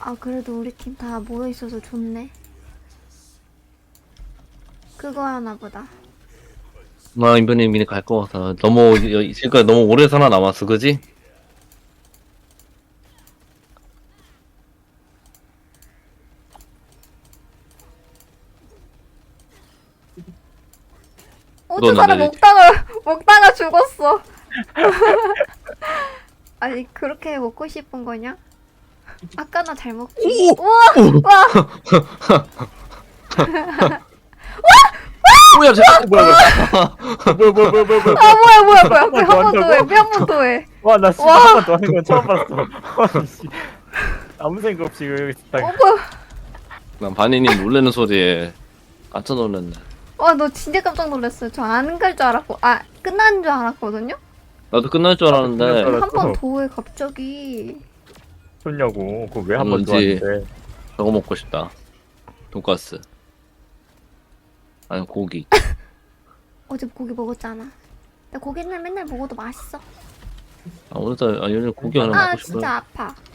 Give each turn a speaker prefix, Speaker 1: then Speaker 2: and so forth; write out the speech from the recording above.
Speaker 1: 아, 그래도 우리 팀 다 모여있어서 좋네. 그거 하나 보다.
Speaker 2: 나 이번에 미리 갈 거 같아. 너무 지금까지 너무 오래 살아남았어, 그지?
Speaker 1: 저 사람
Speaker 2: 넌
Speaker 1: 먹다가 죽었어. 아니, 그렇게 먹고 싶은 거냐? 아까 나 잘 먹지. 우와! 와!
Speaker 2: 뭐야, 쟤 뭐야,
Speaker 3: 뭐야.
Speaker 1: 아, 뭐야.
Speaker 3: 한
Speaker 1: 한 번
Speaker 3: 번
Speaker 1: 더
Speaker 3: 더
Speaker 1: 해.
Speaker 3: 한다고?
Speaker 1: 한 번 더 해.
Speaker 3: 와, 나 진짜
Speaker 1: 와.
Speaker 3: 한 번 더 하는 건 처음 봤어. 아니, 씨. 아무 생각 없이 여기 있다가.
Speaker 1: 뭐야.
Speaker 2: 난 바니님 놀래는 소리에 깜짝 놀랐네.
Speaker 1: 와, 너 진짜 깜짝 놀랐어요. 저 안 갈 줄 알았고. 아, 끝난 줄 알았거든요?
Speaker 2: 나도 끝날 줄
Speaker 3: 끝날 줄
Speaker 2: 알았는데,
Speaker 3: 알았어.
Speaker 1: 한 번 더 해, 갑자기.
Speaker 3: 좋냐고. 그거 왜 한 번 더
Speaker 2: 뭔지.
Speaker 3: 하는데.
Speaker 2: 저거 먹고 싶다. 돈가스. 아니, 고기.
Speaker 1: 어제 고기 먹었잖아. 나 고기는 맨날 먹어도 맛있어.
Speaker 2: 아, 오늘따라, 요즘 고기 하나
Speaker 1: 아,
Speaker 2: 먹고 싶어요.
Speaker 1: 진짜 아파.